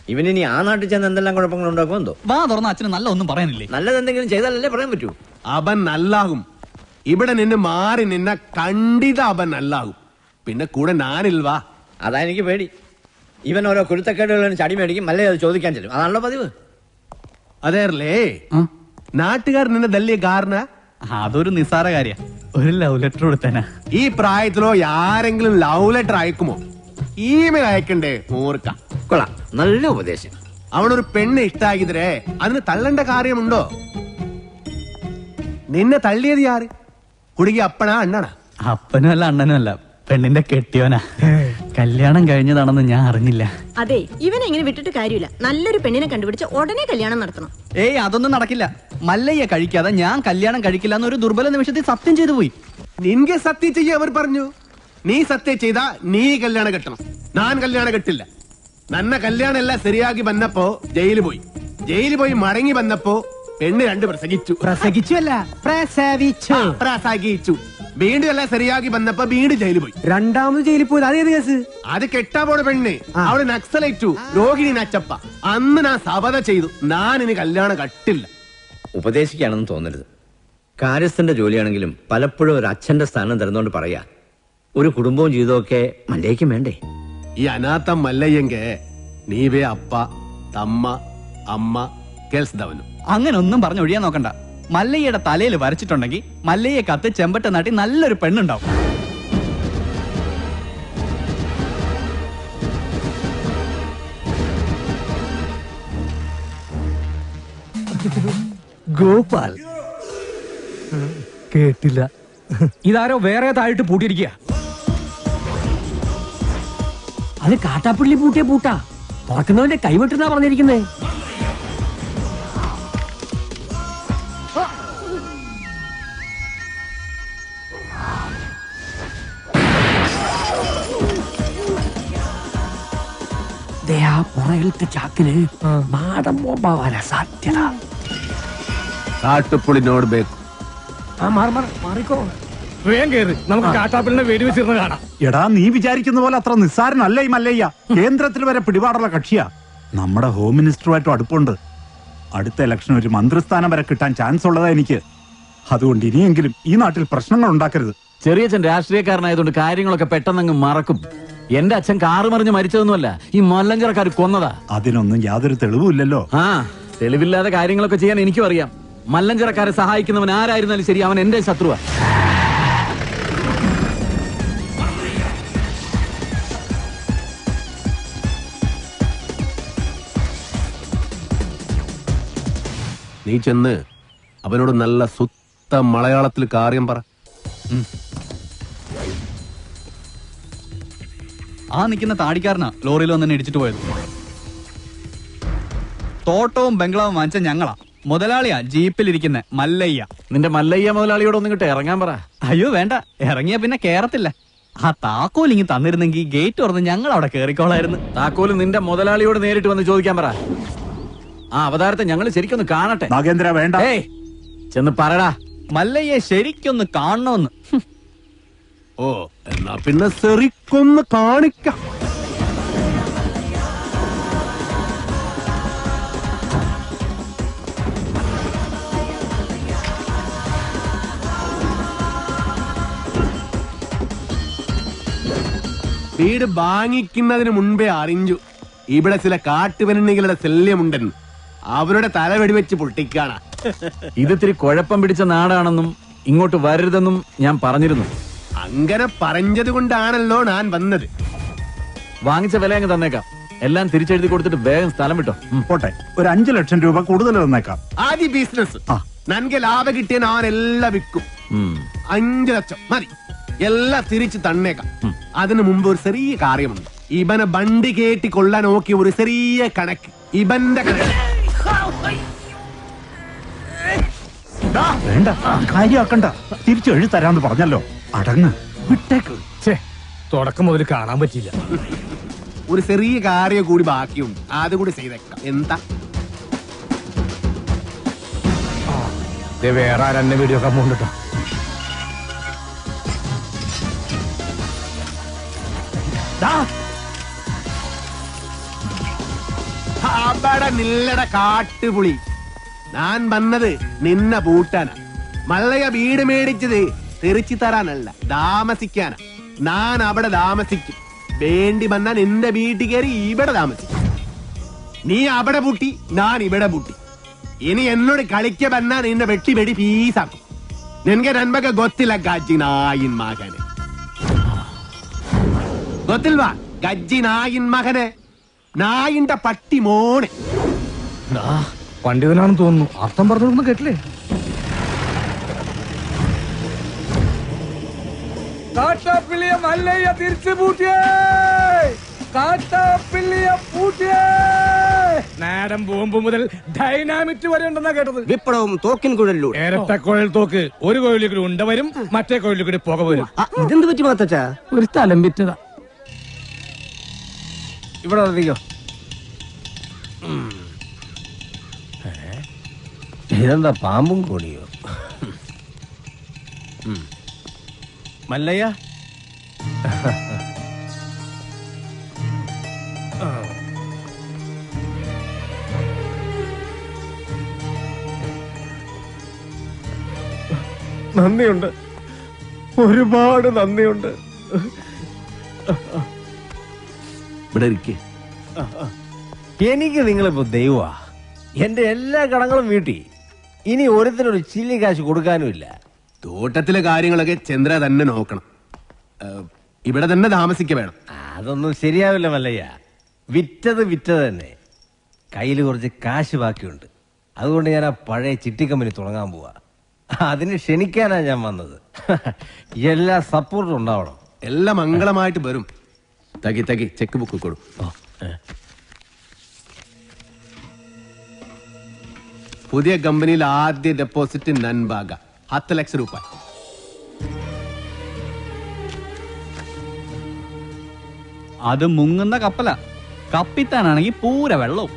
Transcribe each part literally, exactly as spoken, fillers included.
ഇവനിനി ആ നാട്ടിൽ ചെന്ന് എന്തെല്ലാം കുഴപ്പങ്ങൾ ഉണ്ടാക്കും എന്തോ. വാ തുറന്ന അച്ഛന് നല്ല ഒന്നും പറയാനില്ലേ? നല്ലത് എന്തെങ്കിലും ചെയ്താലല്ലേ പറയാൻ പറ്റൂ. അവൻ നല്ലാകും. ഇവിടെ നിന്ന് മാറി നിന്ന കണ്ടിത അവൻ നല്ലാകും. പിന്നെ കൂടെ ഞാനിൽവാ. അതാ എനിക്ക് പേടി. ഇവൻ ഓരോ കുരുത്തക്കേടുകളും ചടി മേടിക്കും, അല്ലേ അത് ചോദിക്കാൻ ചെല്ലും. അതാണല്ലോ പതിവ്. അതേല്ലേ നാട്ടുകാർ നിന്നെ തല്ലിയ കാരണ? അതൊരു നിസ്സാര കാര്യ. ഒരു ലവ് ലെറ്റർ കൊടുത്തനാ. ഈ പ്രായത്തിലോ ആരെങ്കിലും ലവ് ലെറ്റർ അയക്കുമോ? ഇമെയിൽ അയക്കണ്ടേ? ഓർക്ക കൊള്ളാം, നല്ല ഉപദേശം. അവനൊരു പെണ്ണ് ഇഷ്ടാക്കിതരേ അതിന് തള്ളേണ്ട കാര്യമുണ്ടോ? നിന്നെ തള്ളിയത് യാര്? കുടുങ്ങി അപ്പനാ അണ്ണനാ? അപ്പനും അല്ല അണ്ണനും അല്ല, പെണ്ണിന്റെ കെട്ടിയോനാ. കല്യാണം കഴിഞ്ഞതാണെന്ന് ഞാൻ അറിഞ്ഞില്ല. അതെ, ഇവനെ ഇങ്ങനെ വിട്ടിട്ട് കാര്യമില്ല. നല്ലൊരു പെണ്ണിനെ കണ്ടുപിടിച്ച് ഉടനെ കല്യാണം നടത്തണം. ഏയ് അതൊന്നും നടക്കില്ല. മല്ലയ്യ കഴിക്കാതെ ഞാൻ കല്യാണം കഴിക്കില്ല എന്നൊരു ദുർബല നിമിഷത്തിൽ സത്യം ചെയ്തു പോയി. നിൻಗೆ സത്യം ചെയ്യ അവർ പറഞ്ഞു. നീ സത്യം ചെയ്താ നീ കല്യാണം കെട്ടണം. ഞാൻ കല്യാണം കെട്ടില്ല. നന്ന കല്യാണം എല്ലാം ശരിയാക്കി വന്നപ്പോ ജയിലിൽ പോയി. ജയിലിൽ പോയി മടങ്ങി വന്നപ്പോ പെണ്ണ് രണ്ട് പ്രസംഗിച്ചു. പ്രസംഗിച്ചു അല്ല, പ്രസവിച്ചു. പ്രസംഗിച്ചു. വീണ്ടും എല്ലാം ശരിയാക്കി വന്നപ്പോ വീണ്ടും ജയിലിൽ പോയി. രണ്ടാമത് ജയിലിൽ പോയത് അതേത് കേസ്? അത് കെട്ടാ പോണ പെണ്ണ്. അവള് നക്സലേറ്റു, രോഹിണി നച്ചപ്പ. അന്ന് ഞാൻ സബത ചെയ്തു, ഞാൻ ഇനി കല്യാണം കട്ടില്ല. ഉപദേശിക്കാണെന്ന് തോന്നരുത്. കാര്യസ്ഥന്റെ ജോലിയാണെങ്കിലും പലപ്പോഴും ഒരു അച്ഛന്റെ സ്ഥാനം തരുന്നോണ്ട് പറയാ, ഒരു കുടുംബവും ജീവിതമൊക്കെ മല്ലയ്ക്കും വേണ്ടേ? ഈ അനാഥ മല്ലയ്യെങ്ക നീവേ അപ്പ തമ്മ അമ്മ കേൾസ്തവനും. അങ്ങനെ ഒന്നും പറഞ്ഞു ഒഴിയാൻ നോക്കണ്ട. മല്ലയ്യയുടെ തലയിൽ വരച്ചിട്ടുണ്ടെങ്കിൽ മല്ലയ്യെ കത്ത് ചെമ്പട്ട നാട്ടി നല്ലൊരു പെണ്ണുണ്ടാവും. ഗോപാൽ കേട്ടില്ല. ഇതാരോ വേറെ താഴിട്ട് പൂട്ടിയിരിക്കുക. അത് കാട്ടാപ്പിള്ളി പൂട്ടിയ പൂട്ടാ. തുറക്കുന്നവന്റെ കൈവിട്ടെന്നാ പറഞ്ഞിരിക്കുന്നേ. പുറകിലത്തെ ചാക്കിന് മാടം ബോംബാവാനാ സാധ്യത. കാട്ടുപുളിനോട് ബേക്കും. മാറിക്കോ, വേഗം കേറി. നമുക്ക് കാട്ടാപ്പിളിനെ വെടിവെച്ചിരുന്ന് കാണാം. എടാ, നീ വിചാരിക്കുന്ന പോലെ അത്ര നിസ്സാരനല്ല ഈ മല്ലയ്യ. കേന്ദ്രത്തിൽ വരെ പിടിപാടുള്ള കക്ഷിയാ. നമ്മുടെ ഹോം മിനിസ്റ്ററുമായിട്ടും അടുപ്പുണ്ട്. അടുത്ത ഇലക്ഷൻ ഒരു മന്ത്രിസ്ഥാനം വരെ കിട്ടാൻ ചാൻസ് ഉള്ളതാ എനിക്ക്. അതുകൊണ്ട് ഇനിയെങ്കിലും ഈ നാട്ടിൽ പ്രശ്നങ്ങൾ ഉണ്ടാക്കരുത്. ചെറിയച്ഛൻ രാഷ്ട്രീയക്കാരനായതുകൊണ്ട് കാര്യങ്ങളൊക്കെ പെട്ടെന്നങ്ങ് മറക്കും. എന്റെ അച്ഛൻ കാറ് മറിഞ്ഞ് മരിച്ചതൊന്നുമല്ല, ഈ മല്ലഞ്ചറക്കാർ കൊന്നതാ. അതിനൊന്നും യാതൊരു തെളിവുമില്ലല്ലോ. ആ, തെളിവില്ലാതെ കാര്യങ്ങളൊക്കെ ചെയ്യാൻ എനിക്കും അറിയാം. മല്ലഞ്ചറക്കാരെ സഹായിക്കുന്നവൻ ആരായിരുന്നാലും ശരി, അവൻ എന്റെ ശത്രുവാ. നീ ചെന്ന് അവനോട് നല്ല സുത്ത മലയാളത്തിൽ കാര്യം പറ. ആ നിൽക്കുന്ന താടിക്കാരനാ ലോറിയിൽ വന്നെ ഇടിച്ചിട്ട് പോയത്. തോട്ടവും ബംഗ്ലാവും വാങ്ങിച്ച ഞങ്ങളാ. മുതലാളിയാ ജീപ്പിലിരിക്കുന്ന മല്ലയ്യ. നിന്റെ മല്ലയ്യ മുതലാളിയോട് ഒന്നും കിട്ടെ ഇറങ്ങാൻ പറ. അയ്യോ വേണ്ട, ഇറങ്ങിയ പിന്നെ കേറത്തില്ല. ആ താക്കോൽ ഇങ്ങി തന്നിരുന്നെങ്കിൽ ഗേറ്റ് തുറന്ന് ഞങ്ങൾ അവിടെ കേറിക്കോളായിരുന്നു. താക്കോല് നിന്റെ മുതലാളിയോട് നേരിട്ട് വന്ന് ചോദിക്കാൻ പറ. ആ അവതാരത്തെ ഞങ്ങൾ ശരിക്കൊന്ന് കാണട്ടെ. നാഗേന്ദ്ര വേണ്ട. ഏയ് ചെന്ന് പറടാ. മല്ലയ്യെ ശരിക്കൊന്ന് കാണണമെന്ന്. ഓ, എന്നാ പിന്നെ ശരിക്കൊന്ന് കാണിക്കാം. വീട് വാങ്ങിക്കുന്നതിന് മുൻപേ അറിഞ്ഞു ഇവിടെ ചില കാട്ടുപെണ്ണുകളുടെ ശല്യമുണ്ടെന്ന്. അവരുടെ തല വെടിവെച്ച് പൊട്ടിക്കാണ. ഇതിത്തിരി കുഴപ്പം പിടിച്ച നാടാണെന്നും ഇങ്ങോട്ട് വരരുതെന്നും ഞാൻ പറഞ്ഞിരുന്നു. അങ്ങനെ പറഞ്ഞത് കൊണ്ടാണല്ലോ ഞാൻ വന്നത്. വാങ്ങിച്ച വില അങ്ങ് തന്നേക്കാം. എല്ലാം തിരിച്ചെഴുതി കൊടുത്തിട്ട് വേഗം സ്ഥലം വിട്ടോ. പോട്ടെ, ഒരു അഞ്ചു ലക്ഷം രൂപ കൂടുതൽ തന്നേക്കാം. ആദ്യ ബിസിനസ് നൻകെ ലാഭം കിട്ടിയ ഞാൻ എല്ലാം വിൽക്കും. അഞ്ചു ലക്ഷം മതി, എല്ലാം തിരിച്ചു തന്നേക്കാം. അതിനു മുമ്പ് ഒരു ചെറിയ കാര്യമുണ്ട്. ഇവനെ വണ്ടി കേട്ടി കൊള്ളാൻ നോക്കിയ ഒരു ചെറിയ കണക്ക്. ഇവന്റെ കണക്ക് വേണ്ട, കാര്യമാക്കണ്ട. തിരിച്ചു എഴുതി തരാന്ന് പറഞ്ഞല്ലോ. അടങ്ങ്, വിട്ടേക്ക്. തുടക്കം മുതൽ കാണാൻ പറ്റില്ല. ഒരു ചെറിയ കാര്യം കൂടി ബാക്കിയുണ്ട്, അതുകൂടി ചെയ്തേക്കാം. എന്താ വേറെ ആരെന്നെ വീഡിയോ ഒക്കെ പോകണ്ടോ? അവിടെ നില്ലട കാട്ടുപുളി. ഞാൻ വന്നത് നിന്നെ പൂട്ടാനാ. മല്ലയ വീട് മേടിച്ചത് തെറിച്ചു തരാനല്ല, താമസിക്കാനാ. ഞാൻ അവിടെ താമസിക്കും. വേണ്ടി വന്നാ നിന്റെ വീട്ടിൽ കയറി ഇവിടെ താമസിക്കും. നീ അവിടെ പൂട്ടി, ഞാൻ ഇവിടെ പൂട്ടി. ഇനി എന്നോട് കളിക്ക വന്നാ നിന്നെ വെട്ടി വെടി പീസാക്കും. നിനക്ക് നന്മക്ക് ಗೊತ್ತಿಲ್ಲ ಗಜ್ಜಿ ನಾಯಿನ್ ಮಗನೆ. ಗೊತ್ತಿಲ್ವಾ ಗಜ್ಜಿ ನಾಯಿನ್ മകനെ? നായിന്റെ പട്ടി മോനെ. പണ്ഡിതനാണെന്ന് തോന്നുന്നു. അർത്ഥം പറഞ്ഞൊന്നും കേട്ടില്ലേ? കാട്ടാപ്പിള്ളിയ മല്ലയ്യ തിരിച്ചു പൂട്ടിയേ, കാട്ടാപ്പിള്ളിയ പൂട്ടിയേ. നാടൻ ബോംബ് മുതൽ ഡൈനാമിറ്റ് വരെ ഉണ്ടെന്നാ കേട്ടത്. വിപ്ലവം തോക്കിൻ കുഴലിലൂടെ. ഇരട്ട കുഴൽ തോക്ക്. ഒരു കുഴലിൽ കൂടി ഉണ്ട വരും, മറ്റേ കുഴലിൽ കൂടി പുക വരും. ഇതെന്ത് പറ്റി മാത്തച്ചാ? ഒരു സ്ഥലം വിറ്റതാ. ഇവിടെ വന്നിരിക്കോ. ഇതെന്താ പാമ്പും കോണിയോ? മല്ലയ്യ, നന്ദിയുണ്ട്, ഒരുപാട് നന്ദിയുണ്ട്. ഇവിടെ ഇരിക്കേ. എനിക്ക് നിങ്ങളിപ്പോ ദൈവമാ. എന്റെ എല്ലാ കടങ്ങളും വീട്ടി. ഇനി ഓരോരുത്തരൊരു ചില്ലി കാശ് കൊടുക്കാനുമില്ല. തോട്ടത്തിലെ കാര്യങ്ങളൊക്കെ ചന്ദ്ര തന്നെ നോക്കണം. ഇവിടെ തന്നെ താമസിക്ക വേണം. അതൊന്നും ശരിയാവില്ല മല്ലയ്യ. വിറ്റത് വിറ്റത് തന്നെ. കയ്യിൽ കുറച്ച് കാശ് ബാക്കിയുണ്ട്. അതുകൊണ്ട് ഞാൻ ആ പഴയ ചിട്ടി കമ്പനി തുടങ്ങാൻ പോവാ. അതിന് ക്ഷണിക്കാനാ ഞാൻ വന്നത്. എല്ലാ സപ്പോർട്ടും ഉണ്ടാവണം. എല്ലാം മംഗളമായിട്ട് വരും. തകി തകി ചെക്ക് ബുക്ക് കൊടു. പുതിയ കമ്പനിയിൽ ആദ്യ ഡെപ്പോസിറ്റ് നൻബാഗ ഹത്ത് ലക്ഷം രൂപ. അത് മുങ്ങുന്ന കപ്പല. കപ്പിത്താനാണെങ്കിൽ പൂര വെള്ളവും.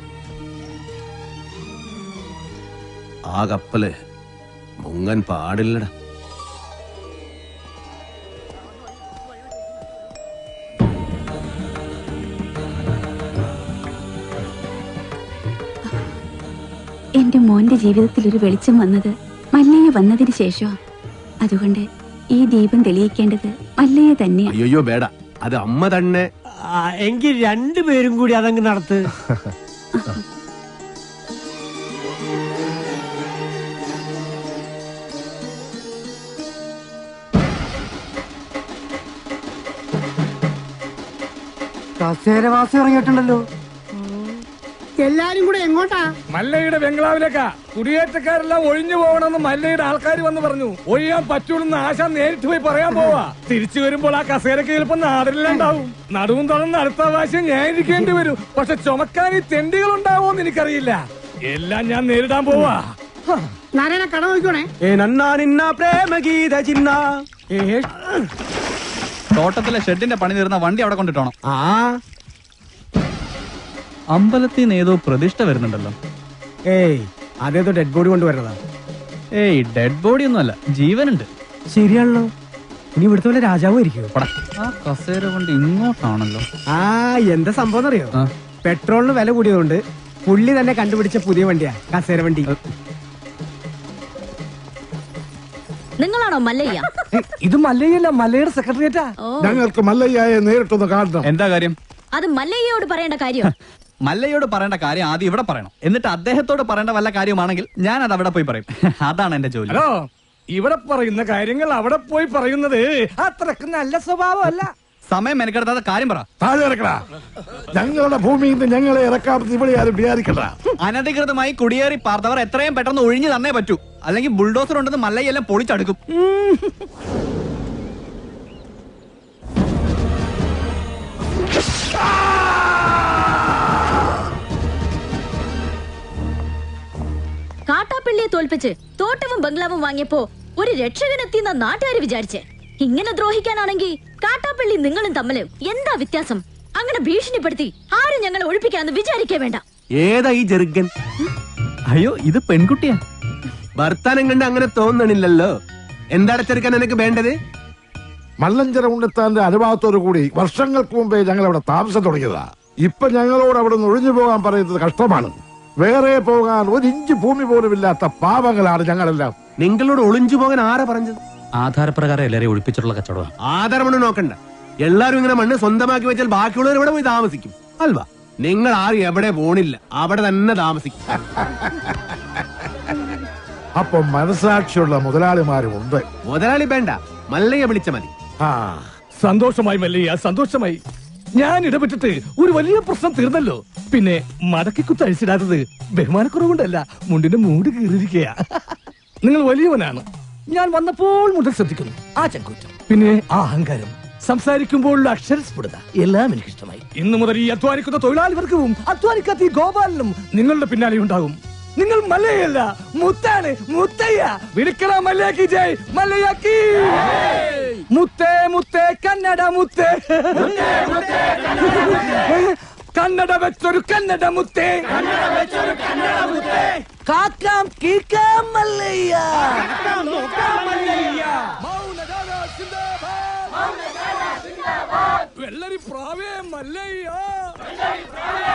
ആ കപ്പല് മുങ്ങൻ പാടില്ലടാ. എന്റെ മോന്റെ ജീവിതത്തിൽ ഒരു വെളിച്ചം വന്നത് മല്ലയ്യ വന്നതിന് ശേഷം. അതുകൊണ്ട് ഈ ദീപം തെളിയിക്കേണ്ടത് മല്ലയ്യ തന്നെയാണ്. അയ്യോ വേട, അത് അമ്മ തന്നെ. എങ്കിൽ രണ്ടുപേരും കൂടി അതങ്ങ് നടത്ത്. കസേരവാസം ഇറങ്ങിയിട്ടുണ്ടല്ലോ. എല്ലാരും കൂടെ എങ്ങോട്ടാ? മല്ലയുടെ ബംഗ്ലാവിലേക്കാ. കുടിയേറ്റക്കാരെല്ലാം ഒഴിഞ്ഞു പോകണമെന്ന് മല്ലയുടെ ആൾക്കാർ വന്ന് പറഞ്ഞു. ഒഴിയാൻ പറ്റൂലെന്ന് ആശ നേരിട്ട് പോയി പറയാൻ പോവാ. തിരിച്ചു വരുമ്പോൾ ആ കസേരക്ക് ചിലപ്പോൾ നാടില്ലാണ്ടാവും. നടുവും തുറന്ന് അടുത്ത പ്രാവശ്യം ഞാൻ ഇരിക്കേണ്ടി വരും. പക്ഷെ ചുമക്കാൻ ഈ തെണ്ടികൾ ഉണ്ടാവോന്ന് എനിക്കറിയില്ല. എല്ലാം ഞാൻ നേരിടാൻ പോവാ. നാരായണ കട നോക്കണേ. തോട്ടത്തിലെ ഷെഡിന്റെ പണി തീർന്ന വണ്ടി അവിടെ കൊണ്ടിട്ടോണം. അമ്പലത്തിൽ നിന്ന് ഏതോ പ്രതിഷ്ഠ വരുന്നുണ്ടല്ലോ. ഏയ് അതേതോ ഡെഡ് ബോഡി കൊണ്ടുവരണതാ. ഏയ് ഡെഡ് ബോഡി ഒന്നും അല്ല, ജീവനുണ്ട്. ശരിയാണല്ലോ. ഇനി ഇവിടുത്തെ വല്ല രാജാവും ഇരിക്കുവോ? ആ കസേര കൊണ്ട് ഇങ്ങോട്ടാണല്ലോ. ആ എന്താ സംഭവം അറിയോ? പെട്രോളിന് വില കൂടിയതുകൊണ്ട് പുള്ളി തന്നെ കണ്ടുപിടിച്ച പുതിയ വണ്ടിയാ കസേര വണ്ടി. നിങ്ങളാണോ മല്ലയ്യ? ഇത് മല്ലയ്യല്ല, മല്ലയുടെ സെക്രട്ടറിയേറ്റാ. ഞങ്ങൾക്ക് മല്ലയ്യയെ നേരിട്ടൊന്ന് കാണണം. എന്താ കാര്യം? അത് മല്ലയ്യയോട് പറയേണ്ട കാര്യം. മല്ലയോട് പറയേണ്ട കാര്യം ആദ്യം ഇവിടെ പറയണം. എന്നിട്ട് അദ്ദേഹത്തോട് പറയേണ്ട വല്ല കാര്യമാണെങ്കിൽ ഞാൻ അത് അവിടെ പോയി പറയും. അതാണ് എന്റെ ജോലി. ഹലോ, ഇവിടെ പറയുന്ന കാര്യങ്ങൾ അവിടെ പോയി പറയുന്നത് അത്രക്ക് നല്ല സ്വഭാവമല്ല. സമയം മെനക്കെടുത്താതെ കാര്യം പറ. താഴെ ഇറക്കടാ. ഞങ്ങളുടെ ഭൂമിയിൽ നിന്ന് ഞങ്ങളെ ഇറക്കാമെന്ന് ഇവിടെ ആരും വിചാരിക്കണ്ട. അനധികൃതമായി കുടിയേറി പാർത്തവർ എത്രയും പെട്ടെന്ന് ഒഴിഞ്ഞു തന്നേ പറ്റൂ. അല്ലെങ്കിൽ ബുൾഡോസർ ഉണ്ടെന്ന് മല്ലയെല്ലാം പൊളിച്ചടുക്കും. കാട്ടാപ്പിള്ളിയെ തോൽപ്പിച്ച് തോട്ടവും ബംഗ്ലാവും വാങ്ങിയപ്പോ ഒരു രക്ഷകനെത്തിയെന്ന നാട്ടുകാര് വിചാരിച്ചേ. ഇങ്ങനെ ദ്രോഹിക്കാനാണെങ്കിൽ കാട്ടാപ്പള്ളി നിങ്ങളും തമ്മില് എന്താ വ്യത്യാസം? അങ്ങനെ ഭീഷണിപ്പെടുത്തി ആരും ഞങ്ങളെ ഒഴിപ്പിക്കാന്ന് വിചാരിക്കേ വേണ്ട. ഏതാ ഈ ജെറുഗൻ? അയ്യോ, ഇത് പെൺകുട്ടിയാ. വർത്താനം കണ്ട് അങ്ങനെ തോന്നണില്ലല്ലോ. എന്താണ് ചെറുക്കൻ എനിക്ക് വേണ്ടത്? മല്ലഞ്ചര ഉണ്ണിത്താന്റെ അനുഭവത്തോടു കൂടി വർഷങ്ങൾക്ക് മുമ്പേ ഞങ്ങൾ അവിടെ താമസം തുടങ്ങിയതാ. ഇപ്പൊ ഞങ്ങളോട് അവിടെ നിന്ന് ഒഴിഞ്ഞു പോകാൻ പറയുന്നത് കഷ്ടമാണ്. വേറെ പോകാൻ ഒരു ഇഞ്ച് ഭൂമി പോലും ഇല്ലാത്ത പാവങ്ങളാണ് ഞങ്ങളെല്ലാം. നിങ്ങളോട് ഒളിഞ്ചു പോകാൻ ആരാ പറഞ്ഞത്? ആധാരപ്രകാരം എല്ലാരെയും ഒഴിപ്പിച്ചിട്ടുള്ള കച്ചവടം. ആധാരം മണ്ണ് നോക്കണ്ട. എല്ലാരും ഇങ്ങനെ മണ്ണ് സ്വന്തമാക്കി വെച്ചാൽ ബാക്കിയുള്ളവർ ഇവിടെ പോയി താമസിക്കും അൽവാ. നിങ്ങൾ ആരും എവിടെ പോണില്ല, അവിടെ തന്നെ താമസിക്കും. അപ്പൊ മനസാക്ഷിയുള്ള മുതലാളിമാരും ഉണ്ട്. മുതലാളി വേണ്ട, മല്ലയെ വിളിച്ച മതി. സന്തോഷമായി മല്ലയ്യ, സന്തോഷമായി. ഞാൻ ഇടപെട്ടിട്ട് ഒരു വലിയ പ്രശ്നം തീർന്നല്ലോ. പിന്നെ മടക്കി കുത്തഴിച്ചിടാത്തത് ബഹുമാനക്കുറവുകൊണ്ടല്ല, മുണ്ടിന്റെ മൂട് കീറിയിരിക്കുക. നിങ്ങൾ വലിയവനാണ്. ഞാൻ വന്നപ്പോൾ മുതൽ ശ്രദ്ധിക്കുന്നു ആ ചങ്കൂറ്റം, പിന്നെ ആ അഹങ്കാരം, സംസാരിക്കുമ്പോഴുള്ള അക്ഷരസ്ഫുടത എല്ലാം എനിക്ക് ഇഷ്ടമായി. ഇന്നു മുതൽ ഈ അധ്വാനിക്കുന്ന തൊഴിലാളി വർഗവും അധ്വാനിക്കാത്ത ഈ ഗോപാലനും നിങ്ങളുടെ പിന്നാലെ ഉണ്ടാകും. നിങ്ങൾ മല്ലയല്ല, മുത്താണ്, മുത്തയ്യ. വിളിക്കണ മല്ലയാക്കി ജയ്, മല്ലയാക്കി. മുത്തേ മുത്തേ കന്നഡ മുത്തേ, കന്നഡ വെച്ചൊരു കന്നഡ മുത്തേ, കാക്കാം കീക്കാം മല്ലയ്യ. വെള്ളരി പ്രാവേ മല്ലയ്യ.